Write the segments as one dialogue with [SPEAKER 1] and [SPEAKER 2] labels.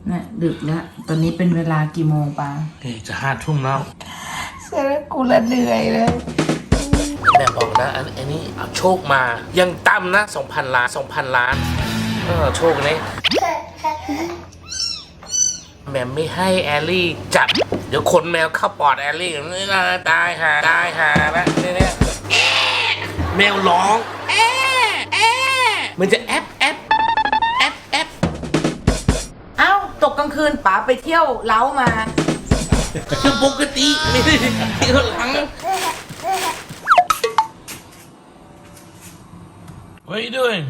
[SPEAKER 1] น่ะดึกแล้วตอนนี้เป็นเวลากี่โมงปะ
[SPEAKER 2] จะ5 ทุ่มแล้ว
[SPEAKER 1] เสร็จแล้วกูละเหนื่อยเลย
[SPEAKER 2] แม่บอกนะอันนี้เอาโชคมายังต่ำนะ 2,000 ล้าน 2,000 ล้านโชคนี้แม่ไม่ให้แอลลี่จับเดี๋ยวขนแมวเข้าปอดแอลลี่นี่นะตายหาแล้วเนี่ยแมวร้องมันจะแอป
[SPEAKER 1] เอ้าตกกลางคืนป๋าไปเที่ยวเล้ามา
[SPEAKER 2] คือปกติไม่ได้เที่ยวหลังWhat are you doing?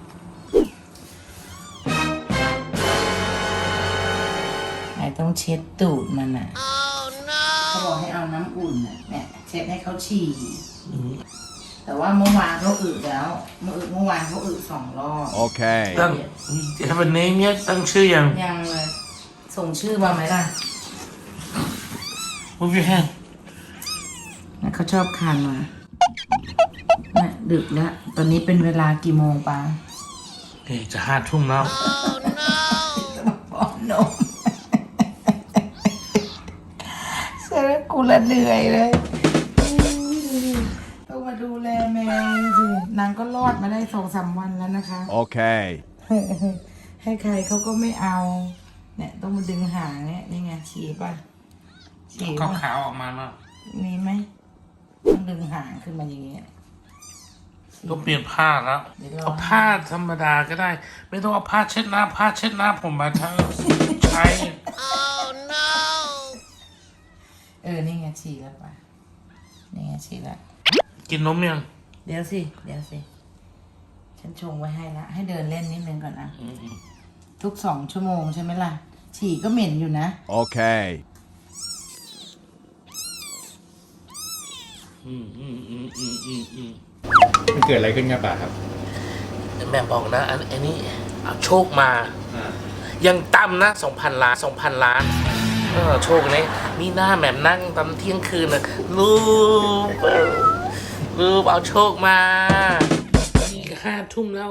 [SPEAKER 1] ไอ้ต้องเช็ดตูดมันอ่ะ เขาบอกให้เอาน้ำอุ่นน่ะเนี่ยเช็ดให้เขาฉี่แต่ว่าเมื่อวานเขาอึแล้วเมื่อวานเขาอึ2 รอบ
[SPEAKER 3] โอเค
[SPEAKER 2] ตั้ง Have a name yet? ตั้งชื่อยัง
[SPEAKER 1] เลยส่งชื่อมาไหมล่ะ
[SPEAKER 2] Move your hand
[SPEAKER 1] นะเขาชอบคานมาเนี่ยดึกแล้วตอนนี้เป็นเวลากี่โมงปะ
[SPEAKER 2] จะ5 ทุ่มแล้ว
[SPEAKER 1] จะมาป้อนนมเสร็จแล้วกูละเหนื่อยเลยต้องมาดูแลแมวสินางก็รอดมาได้2-3 วันแล้วนะคะ
[SPEAKER 3] โอเค
[SPEAKER 1] ให้ใครเขาก็ไม่เอาเนี่ยต้องมาดึงหางเนี่ยนี่ไงฉี่ป่ะฉี่
[SPEAKER 2] ขาวออกมาแล้ว
[SPEAKER 1] มีไหมต้องดึงหางขึ้นมาอย่างเงี้ย
[SPEAKER 2] ก็เปลี่ยนผ้าแล้วเอาผ้าธรรมดาก็ได้ไม่ต้องเอาผ้าเช็ดหน้าผมมาทั้งใช้
[SPEAKER 1] นี่ไงฉี่แล้วป่ะนี่ไงฉี่แล้ว
[SPEAKER 2] กินนมยัง
[SPEAKER 1] เดี๋ยวสิฉันชงไว้ให้ละให้เดินเล่นนิดนึงก่อนนะทุก2 ชั่วโมงใช่ไหมล่ะฉี่ก็เหม็นอยู่นะ
[SPEAKER 3] โอเค
[SPEAKER 4] มันเกิดอะไรขึ้นครับป่าครับ
[SPEAKER 2] แม่บอกนะอันนี้เอาโชคมายังต่ำนะ 2,000 ล้าน 2,000 ล้านโชคนี้มีหน้าแม่นั่งตอนเที่ยงคืนนะรูปเอาโชคมานี่5 ทุ่มแล้ว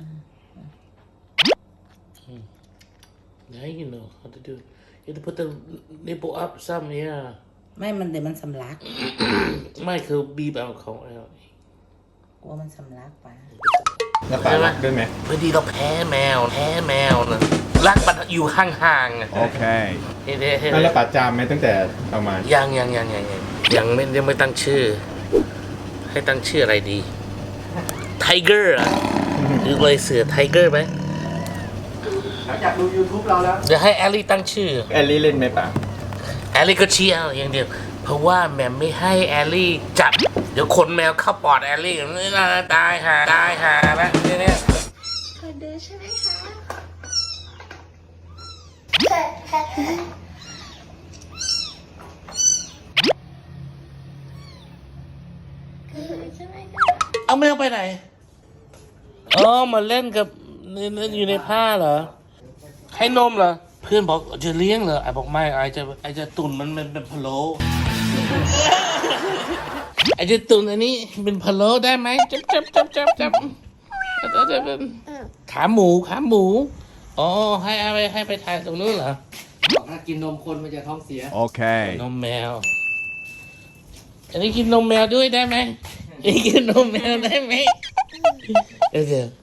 [SPEAKER 2] Yeah, you know how to do it. You have to put the nipple up some, yeah.
[SPEAKER 1] ไม่มันเดี๋ยวมันสำลัก
[SPEAKER 2] ไม่คือบีบเอาเขาแล้ว
[SPEAKER 1] กลัวมันสำลักไป
[SPEAKER 4] แล้วป่ารักด้วยไหม
[SPEAKER 2] พอดีเราแพ้แมวนะรักมันอยู่ห่างๆ
[SPEAKER 3] โอเค
[SPEAKER 4] แล้วป่าจามไหมตั้งแต่เอามา
[SPEAKER 2] ยังไม่ตั้งชื่อให้ตั้งชื่ออะไรดีไทเกอร์อ่ะหรือเลยเสือไทเกอร์ไหม
[SPEAKER 4] หลังจากดู YouTube เราแล้ว
[SPEAKER 2] เดี๋ยวให้แอลลี่ตั้งชื่อ
[SPEAKER 4] แอลลี่เล่นไหมป่า
[SPEAKER 2] แอลลี่ก็เชียร์อย่างเดียวเพราะว่าแม่ไม่ให้แอลลี่จับเดี๋ยวขนแมวเข้าปอดแอลลี่นี่นะตายหาแล้วเนี่ย
[SPEAKER 5] เคยดูใช่ไหมคะ
[SPEAKER 2] เอาแมวไปไหนมาเล่นกับอยู่ในผ้าเหรอให้นมเหรอเพื่อนบอกจะเลี้ยงเหรอไอ้บอกไม่ไอ้จะตุ่นมันเป็นพะโล้ไอ้จะตุ่นอันนี้เป็นพะโล้ได้ไหมจับขาหมูอ๋อให้ไปถ่ายตรงนู้นเหรอ
[SPEAKER 4] บอกถ้ากินนมคนมันจะท้องเสีย
[SPEAKER 3] โอเคน
[SPEAKER 2] มแมวอันนี้กินนมแมวด้วยได้ไหมกินนมแมวได้ไหมเดี๋ยว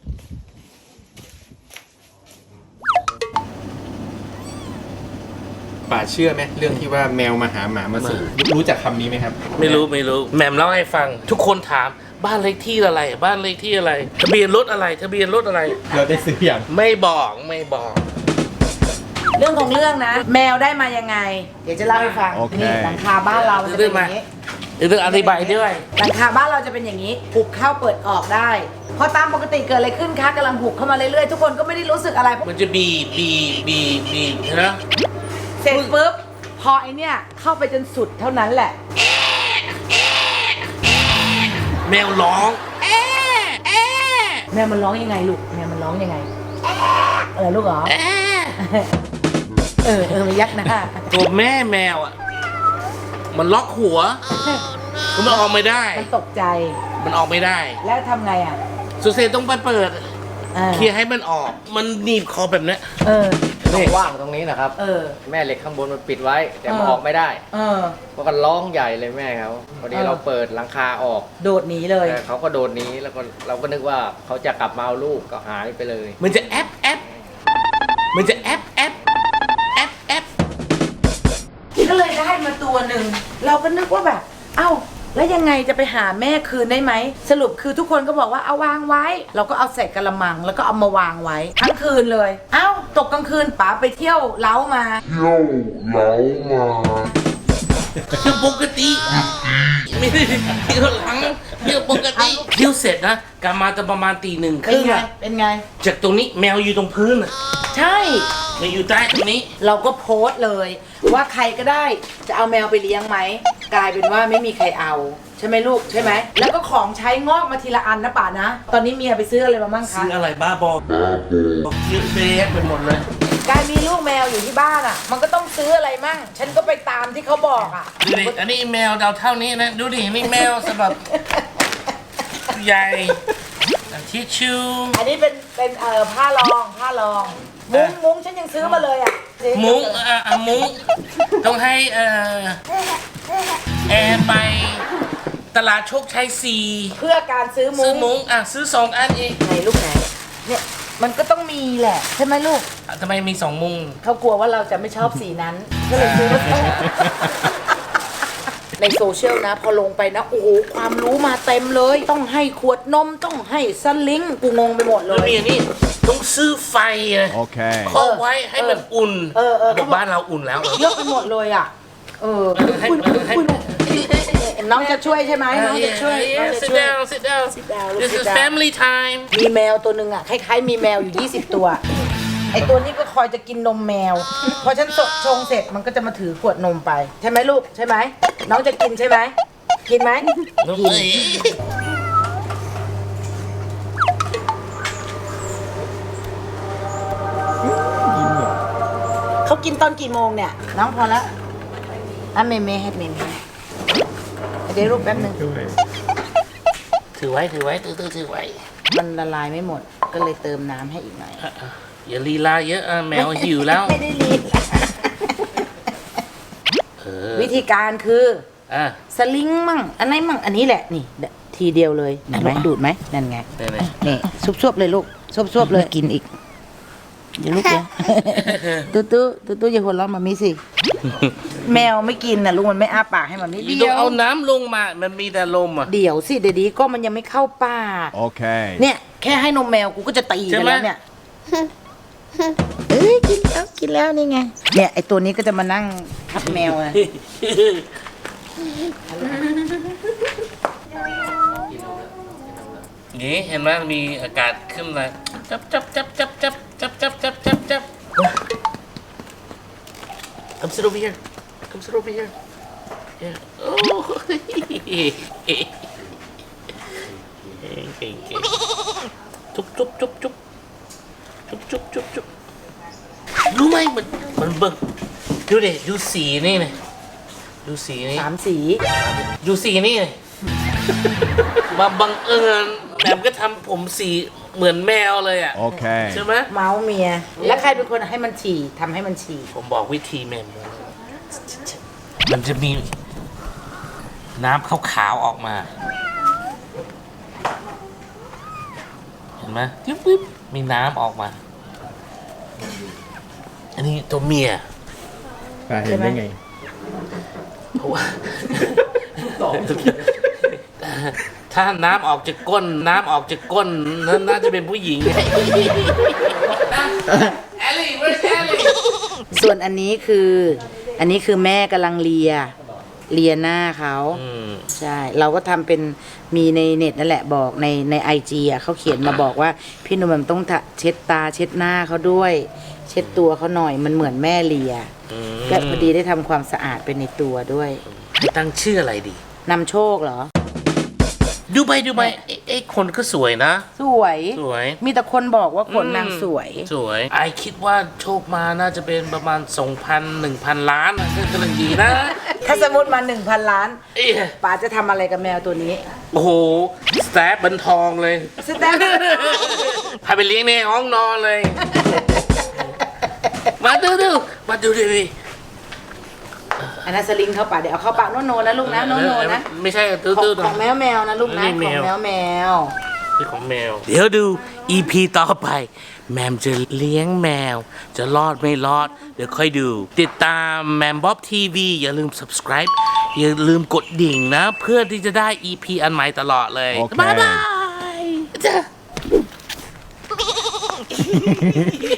[SPEAKER 4] ป่าเชื่อไหมเรื่องที่ว่าแมวมาหาหมามาสู่รู้จักคำนี้ไหมครับ
[SPEAKER 2] ไม่รู้แหม่มเล่าให้ฟังทุกคนถามบ้านเลขที่อะไรทะเบียนรถอะไร
[SPEAKER 4] เราได้ซื้ออย่าง
[SPEAKER 2] ไม่บอก
[SPEAKER 1] เรื่องของเรื่องนะแมวได้มายังไงเดี๋ยวจะเล่าให้ฟังนี่หลังคาบ้านเราจะเป็นอย่างนี้
[SPEAKER 2] เรื่องอธิบายด้วย
[SPEAKER 1] หลังคาบ้านเราจะเป็นอย่างนี้หุบเข้าเปิดออกได้พอตามปกติเกิดอะไรขึ้นคะกำลังหุบเข้ามาเรื่อยๆทุกคนก็ไม่ได้รู้สึกอะไร
[SPEAKER 2] มันจะบีนะ
[SPEAKER 1] เสร็จปุ๊บพอไอเนี่ยเข้าไปจนสุดเท่านั้นแหละ
[SPEAKER 2] แมวร้อง
[SPEAKER 1] แมวมันร้องยังไงลูกแมวมันร้องยังไงลูกเหรอมันยักหน้า
[SPEAKER 2] ตัวแม่แมวอ่ะมันล็อกหัวมันออกไม่ได้
[SPEAKER 1] มันตกใจ
[SPEAKER 2] มันออกไม่ได้
[SPEAKER 1] แล้วทำไงอ่ะ
[SPEAKER 2] สุเซต้องไปเปิดเคลียร์ให้มันออกมันหนีบคอแบบนี้
[SPEAKER 3] ช่องว่างตรงนี้นะครับ แม่เหล็กข้างบนมันปิดไว้ แต่มันออกไม่ได้เพราะกันร้องใหญ่เลยแม่เขาพอดีเราเปิดหลังคาออก
[SPEAKER 1] โดดหนีเลย
[SPEAKER 3] แต่เขาก็โดดหนี้แล้วก็เราก็นึกว่าเขาจะกลับมาเอาลูกก็หายไปเลย
[SPEAKER 2] มันจะแอปมันจะแอป
[SPEAKER 1] ก็เลยได้มาตัวหนึ่งเราก็นึกว่าแบบ เอ้าแล้วยังไงจะไปหาแม่คืนได้ไหมสรุปคือทุกคนก็บอกว่าเอาวางไว้ เราก็เอาใส่กระมังแล้วก็เอามาวางไว้ทั้งคืนเลย เอ้าตกกลางคืนป๋าไปเที่ยวเล้ามา
[SPEAKER 2] คือปกติไม่ได้เที่ยวหลังเที่ยวปกติเที่ยวเสร็จนะกลับมาจะประมาณตี 1:30
[SPEAKER 1] เป็นไง
[SPEAKER 2] จากตรงนี้แมวอยู่ตรงพื้นอ่ะ
[SPEAKER 1] ใช่
[SPEAKER 2] แมวอยู่ใต้ตรงนี้
[SPEAKER 1] เราก็โพสต์เลย ว่าใครก็ได้จะเอาแมวไปเลี้ยงไหมกลายเป็นว่าไม่มีใครเอาใช่ไหมลูกใช่ไหมแล้วก็ของใช้งอกมาทีละอันนะป่านะ ตอนนี้เมียไปซื้ออะไรมาบ้างคะ
[SPEAKER 2] ซื้ออะไรบ้าบอเยอะแยะไปหมดเลย
[SPEAKER 1] การมีลูกแมวอยู่ที่บ้านอ่ะ มันก็ต้องซื้ออะไรมั่งฉันก็ไปตามที่เขาบอกอ่ะ
[SPEAKER 2] ดูดิอันนี้แมวดาวเท่านี้นะดูดินี่แมวสำหรับใหญ่ทิชชู่
[SPEAKER 1] อันนี้เป็นผ้ารองมุ้งฉันยังซื้อมาเลยอ่ะ
[SPEAKER 2] มุ้งมุ้งต้องให้แอร์ไปตลาดโชคชัย
[SPEAKER 1] เพื่อการซื้อ
[SPEAKER 2] 4ซื้
[SPEAKER 1] มุ้
[SPEAKER 2] อง มุ้งซื้อ2 อันเอง
[SPEAKER 1] ไหนลูกไหนเนี่ยมันก็ต้องมีแหละใช่ไหมลูก
[SPEAKER 2] ทำไมมี2 มุ้ง
[SPEAKER 1] เขากลัวว่าเราจะไม่ชอบสีนั้นก็เลยซื้อมาสองในโซเชียลนะ พอลงไปนะ โอ้โหความรู้มาเต็มเลย ต้องให้ขวดนมต้องให้สลิงกูงงไปหมดเล
[SPEAKER 2] แล้ว
[SPEAKER 1] ย
[SPEAKER 2] มีอันนี้ต้องซื้อไฟครอบไว้ให้มันอุ่นบอกบ้านเราอุ่นแล้ว
[SPEAKER 1] เยอะไปหมดเลยอ่ะ
[SPEAKER 2] ให้
[SPEAKER 1] น้องจะช่วยใช่ไหมน้องจะช่วยน้องจะ
[SPEAKER 2] sit
[SPEAKER 1] ช่วย
[SPEAKER 2] down sit down this is family time
[SPEAKER 1] มีแมวตัวหนึ่งอ่ะคล้ายๆมีแมวอยู่20ตัวไอตัวนี้ก็คอยจะกินนมแมวพอฉันชงเสร็จมันก็จะมาถือขวดนมไปใช่ไหมลูกใช่ไหมน้องจะกินใช่ไหมกินไหมกินเขากินตอนกี่โมงเนี่ยน้องพอแล้วเมให้เมเดี๋ยวรูปแป๊บนึง
[SPEAKER 2] ถือไว้ถือไว้
[SPEAKER 1] มันละลายไม่หมดก็เลยเติมน้ำให้อีกหน่อย
[SPEAKER 2] อย่าลีลาเยอะแมวหิวแล้ว
[SPEAKER 1] ไม่ได้รีบวิธีการคือสลิงมั่งอันไหนมั่งอันนี้แหละนี่ทีเดียวเลยเห็นไหมดูดไหมนั่นไงนี่ซุบๆเลยลูกซุบๆเลยกินอีกอย่าลูกเดี๋ยวตู้อย่าหัวเราะมามิสิแมวไม่กินนะลูกมันไม่อ้าปากให้มันนี่
[SPEAKER 2] ต้
[SPEAKER 1] เดี
[SPEAKER 2] อง
[SPEAKER 1] ยว
[SPEAKER 2] เอาน้ำลงมามันมีแต่ลมอ่ะ
[SPEAKER 1] เดี๋ยวสิเดี๋ยวดีก็มันยังไม่เข้าปากโอเคเนี่ยแค่ให้นมแมวกูก็จะตีกันแล้วเนี่ยกินแล้วนี่ไงเนี่ยไอตัวนี้ก็จะมานั่งทับแมวอะ
[SPEAKER 2] นี่เห็นไหมมีอากาศขึ้นมาจับ Come sit over here yeah. โอ้เก่งจุ๊บรู้ไหมมันเบิ่งดูดิดูสีนี่เลยดูสีนี่
[SPEAKER 1] 3 สี
[SPEAKER 2] ดูสีนี่เลยมาบังเอิญแบบก็ทำผมสีเหมือนแมวเลยอ่ะโอเคใช่ไหม
[SPEAKER 1] เมาส์เมียแล้วใครเป็นคนให้มันฉี่ทำให้มันฉี่
[SPEAKER 2] ผมบอกวิธีแมวมันจะมีน้ำขาวๆออกมาเห็นไหมปึ๊บมีน้ำออกมาอันนี้ตัวเมีย
[SPEAKER 4] เห็นได้ไง
[SPEAKER 2] เพราะว่าถ้าน้ำออกจากก้นนั่นน่าจะเป็นผู้หญิงแอลลี่ where's Ellie
[SPEAKER 1] ส่วนอันนี้คือแม่กำลังเลียหน้าเขาใช่เราก็ทำเป็นมีในเน็ตนั่นแหละบอกในIGอ่ะเขาเขียนมาบอกว่าพี่หนุ่มต้องเช็ดตาเช็ดหน้าเขาด้วย เช็ดตัวเขาหน่อยมันเหมือนแม่เลียก็พอดีได้ทำความสะอาดไปในตัวด้วย
[SPEAKER 2] จะตั้งชื่ออะไรดี
[SPEAKER 1] นำโชคเหรอ
[SPEAKER 2] ดูไปไอ้คนก็สวยนะ
[SPEAKER 1] สวยมีแต่คนบอกว่าขนนางสวยไอคิดว่าโชคมาน่าจะเป็นประมาณ 1,000 ล้านก็กำลังดีนะถ้าสมมติมา 1,000 ล้านป๋าจะทำอะไรกับแมวตัวนี้
[SPEAKER 2] โอ้โหสแตปบันทองเลยพาไปเลี้ยงในห้องนอนเลยมาดูดิ
[SPEAKER 1] อันนั้นสลิงเข้าปากเดี๋ยวเอาเข้าปากโนนะลูกนะโนนะ
[SPEAKER 2] ไม่ใช่
[SPEAKER 1] ข
[SPEAKER 2] ตื้อ
[SPEAKER 1] องแมวนะลูกนะ
[SPEAKER 2] นี่
[SPEAKER 1] ข
[SPEAKER 2] แม
[SPEAKER 1] อง
[SPEAKER 2] ว
[SPEAKER 1] แมว
[SPEAKER 2] นี่ของแมว เดี๋ยวดู EP ต่อไป แมมจะเลี้ยงแมว จะรอดไม่รอด เดี๋ยวค่อยดู ติดตามแมมบ๊อบทีวีอย่าลืม subscribe อย่าลืมกดดิ่งนะ เพื่อที่จะได้ EP อันใหม่ตลอดเลย
[SPEAKER 4] โอเค
[SPEAKER 2] บ๊ายบาย